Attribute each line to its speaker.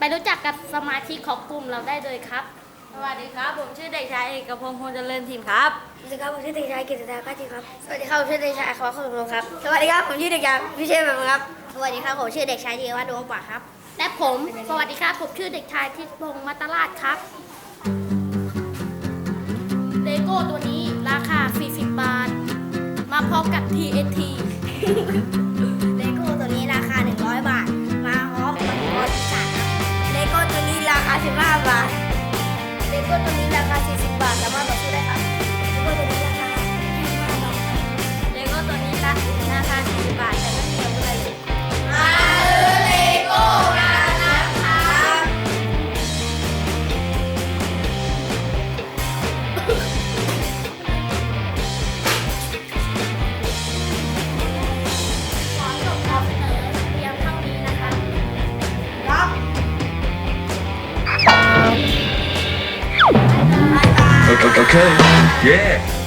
Speaker 1: ไปรู้จักกับสมาชิกของกลุ่มเราได้เลยครับ
Speaker 2: สวัสดีครับผมชื่อเด็กชายเอกพงศ์พงษ์เจริญถิ่นครับ
Speaker 3: สวัสดีครับผมชื่อเด็กชายกฤษดาก้าจีครับสวัสดีครับผมชื่อเด็กชายอัครวัฒน์ขนมลงครับสวัสดีครับผมชื่อเด็กชายพิเชษแบบครับสวัสดีครับผมชื่อเด็กชายธีรวัฒน์ดวงป่าครับ
Speaker 1: และผมสวัสดีครับผมชื่อเด็กชายทิศพงศ์มัตตราชครับเลโก้ตัวนี้ราคา40 บาท มาพร้อมกับ TNT
Speaker 3: เลโก้ตัวนี้ราคา100 บาทมาพร้อมกับรถจักรเลโก้ตัวนี้ราคา15 บาทเลโก้ตัวนี้ราคา40 บาทสามารถต่อซื้อได้ครับเลโก้ตัวนี้ราคา25 บาท
Speaker 2: เลโก้ตัวนี้ราคา40 บาทแต่ไม่มีอาวุธอะไรเลย
Speaker 3: มาเลโก้กันนะครับ
Speaker 1: ขอจบการเสนอเพียงเท่านี้นะคะ
Speaker 3: ครับ
Speaker 4: Okay, yeah.